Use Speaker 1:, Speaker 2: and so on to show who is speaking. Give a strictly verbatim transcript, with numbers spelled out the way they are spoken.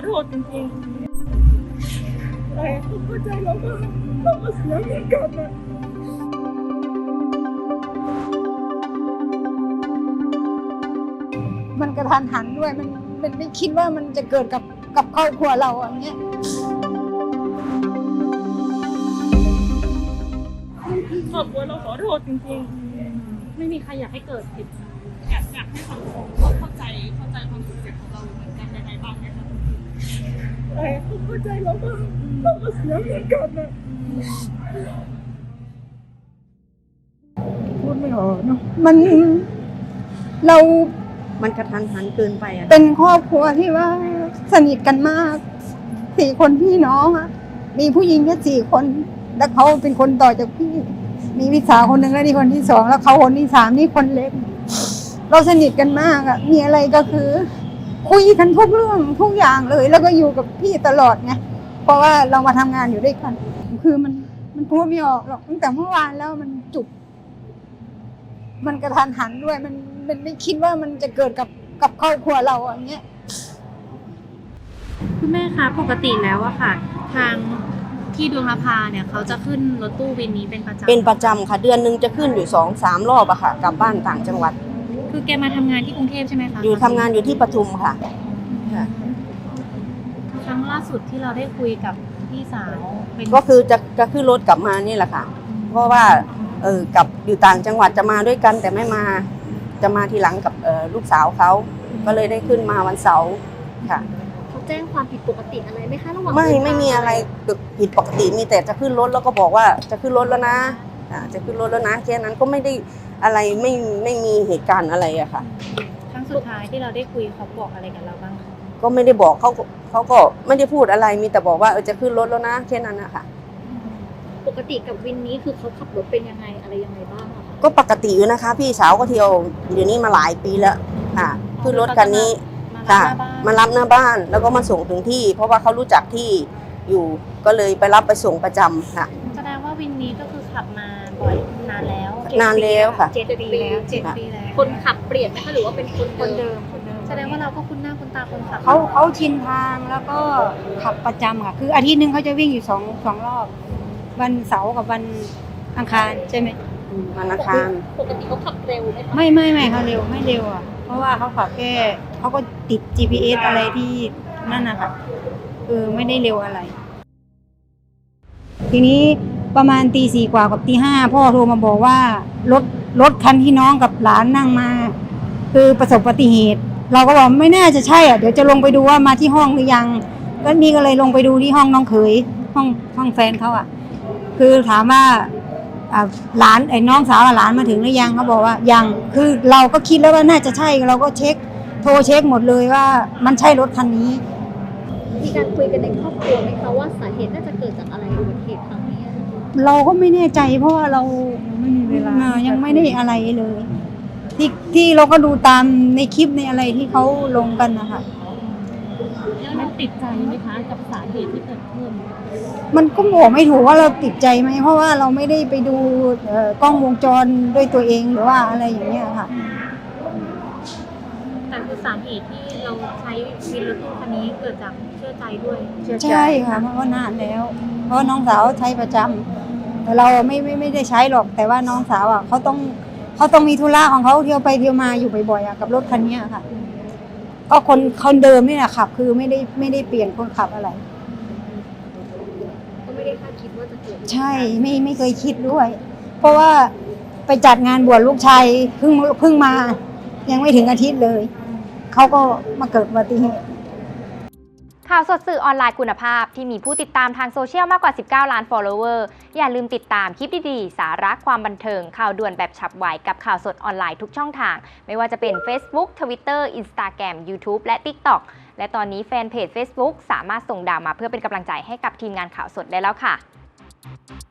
Speaker 1: โทษจริงๆแต่ผมเข้าใจแล้วว่าเราก็เสียเหมือนกันนะ
Speaker 2: มันกระทันหันด้วยมันมันไม่คิดว่ามันจะเกิดกับกับครอบครัวเราอย่างเงี้ย
Speaker 1: ครอบครัวเราขอโทษจริงๆไม่มีใครอยากให้เกิดผิดอยากอยากให้สังคมเข้าใจเข้าใจความรู้สึกของเราเหมือนกันในในบ้างนะคะแต่ผมเข้าใจแล้วว่าเราก็เสียเหมือนกันนะพูดไม่ออกเนาะ
Speaker 2: มันเรา
Speaker 3: มันกระทันหันเกินไปอ่ะ
Speaker 2: เป็นครอบครัวที่ว่าสนิทกันมากสี่คนพี่น้องอ่ะมีผู้หญิงแค่สี่คนแล้วเขาเป็นคนต่อจากพี่มีพี่สาวคนหนึ่งแล้วนี่คนที่สองแล้วเขาคนที่สามนี่คนเล็กเราสนิทกันมากอ่ะมีอะไรก็คือคุยกันทุกเรื่องทุกอย่างเลยแล้วก็อยู่กับพี่ตลอดไงเพราะว่าเรามาทำงานอยู่ด้วยกันคือมันมันพูดไม่ออกหรอกตั้งแต่เมื่อวานแล้วมันจุกมันกระทันหันด้วยมันมันไม่คิดว่ามันจะเกิดกับกับครอบครัวเราอย่างเงี้ย
Speaker 4: คุณแม่คะปกติแล้วอะค่ะทางที่ดวงนภาเนี่ยเขาจะขึ้นรถตู้วินนี้เป็นประจำ
Speaker 3: เป็นประจำค่ะเดือนหนึ่งจะขึ้นอยู่สองสามรอบอะค่ะกลับบ้านต่างจังหวัด
Speaker 4: คือแกมาทำงานที่กรุงเทพใช่ไหมคะ
Speaker 3: อยู่ทำงานอยู่ที่ปทุมค่ะ
Speaker 4: ครั้งล่าสุดที่เราได้คุยกับพี่สาวเป็น
Speaker 3: ก็คือจะจะขึ้นรถกลับมานี่แหละค่ะเพราะว่าเออกลับอยู่ต่างจังหวัดจะมาด้วยกันแต่ไม่มาจะมาทีหลังกับเออลูกสาวเขาก็เลยได้ขึ้นมาวันเสาร์ค่ะ
Speaker 5: เขาแจ้งความผิดปกติอะไรไหมคะระหว่าง
Speaker 3: ไม่ไม่มีอะไรผิดปกติมีแต่จะขึ้นรถแล้วก็บอกว่าจะขึ้นรถแล้วนะจะขึ้นรถแล้วนะแค่นั้นก็ไม่ได้อะไรไม่ไม่มีเหตุการณ์อะไรอะค่ะ
Speaker 4: ครั้งสุดท้ายที่เราได้คุยเขาบอกอะไรกับเราบ้างคะ
Speaker 3: ก็ไม่ได้บอกเขาเขาก็ไม่ได้พูดอะไรมีแต่บอกว่าเออจะขึ้นรถแล้วนะแค่นั้นนะคะ
Speaker 5: ปกติกับวินนี้คือเขาขับรถเป็นยังไงอะไรยังไงบ้างอะคะ
Speaker 3: ก็ปกติอยู่นะคะพี่สาวก็เที่ยวเดี๋ยวนี้มาหลายปีแล้วค่ะขึ้นรถคันนี้ค่ะมารับหน้าบ้านแล้วก็มาส่งถึงที่เพราะว่าเขารู้จักที่อยู่ก็เลยไปรับไปส่งประจำค่ะ
Speaker 4: แสดงว่าวินนี้ก็คือขับมาบ่อยนานแล้ว
Speaker 3: นานแล้วค่ะ
Speaker 5: เจ็ดปีแล้ว
Speaker 4: เจ็ดปีแล้ว
Speaker 5: คนขับเปลี่ยนไหมคะหรือว่าเป็นคน
Speaker 2: คนเดิม
Speaker 4: แสดงว่าเราก็คุ้นหน้าคุ้นตาคนขับ
Speaker 2: เขาเขาชินทางแล้วก็ขับประจำค่ะคืออาทิตย์หนึ่งเขาจะวิ่งอยู่สองสองรอบวันเสาร์กับวันอังคารใช่ไหม
Speaker 3: วันอังคาร
Speaker 5: ปกติเขาขับเร็วไหมคะ
Speaker 2: ไม่ไม่ไม่เขาเร็วไม่เร็วอ่ะเพราะว่าเขาขับแค่เขาก็ติด จี พี เอส อะไรที่นั่นนะคะคือไม่ได้เร็วอะไรทีนี้ประมาณตีสี่กว่ากับตีห้าพ่อโทรมาบอกว่ารถรถคันที่น้องกับหลานนั่งมาคือประสบอุบัติเหตุเราก็บอกไม่น่าจะใช่อ่ะเดี๋ยวจะลงไปดูว่ามาที่ห้องหรือยังก็นี่ก็เลยลงไปดูที่ห้องน้องเขยห้องห้องแฟนเขาอ่ะคือถามว่าหลานไอ้น้องสาวหลานมาถึงหรือยังเขาบอกว่ายังคือเราก็คิดแล้วว่าน่าจะใช่เราก็เช็คโทรเช็คหมดเลยว่ามันใช่รถคันนี้
Speaker 5: มีการคุยกันในครอบครัวไหมคะว่าสาเหตุน่าจะเกิดจากอะไรอุบัติเหตุครั้งนี้
Speaker 2: เราก็ไม่แน่ใจเพราะว่าเราไม่มีเวลายังไม่ได้อะไรเลยที่ที่เราก็ดูตามในคลิปในอะไรที่เขาลงกันนะคะ
Speaker 4: มันติดใจไหมคะกับสาเหตุที่เกิดขึ้น
Speaker 2: มันก็บอกไม่ถูกว่าเราติดใจไหมเพราะว่าเราไม่ได้ไปดูกล้องวงจรด้วยตัวเองหรือว่าอะไรอย่างเงี้ยค่ะ
Speaker 4: แต่คือสาเหตุที่เราใช้วินรถตู้คันนี้เกิดจากเชื่อใจด้วย
Speaker 2: ใช่ค่ะเพราะว่านานแล้วเพราะน้องสาวใช้ประจำแต่เราไม่ไม่ไม่ได้ใช้หรอกแต่ว่าน้องสาวอ่ะเขาต้องเขาต้องมีธุระของเขาเที่ยวไปเที่ยวมาอยู่บ่อยๆอ่ะกับรถคันนี้ค่ะก็คนคนเดิมนี่แหละขับคือไม่ได้ไม่ได้เปลี่ยนคนขับอะไร
Speaker 5: ก็ไม่ได้คาดคิดว่าจะเกิด
Speaker 2: ใช่ไม่ไม่เคยคิดด้วยเพราะว่าไปจัดงานบวชลูกชายเพิ่งเพิ่งมายังไม่ถึงอาทิตย์เลยเขาก็มาเกิดอุบัติเหตุ
Speaker 6: ข่าวสดสื่อออนไลน์คุณภาพที่มีผู้ติดตามทางโซเชียลมากกว่าสิบเก้าล้าน follower อย่าลืมติดตามคลิปดีๆสาระความบันเทิงข่าวด่วนแบบฉับไวกับข่าวสดออนไลน์ทุกช่องทางไม่ว่าจะเป็น Facebook Twitter Instagram YouTube และ TikTok และตอนนี้แฟนเพจ Facebook สามารถส่งดาวมาเพื่อเป็นกำลังใจให้กับทีมงานข่าวสดได้แล้วค่ะ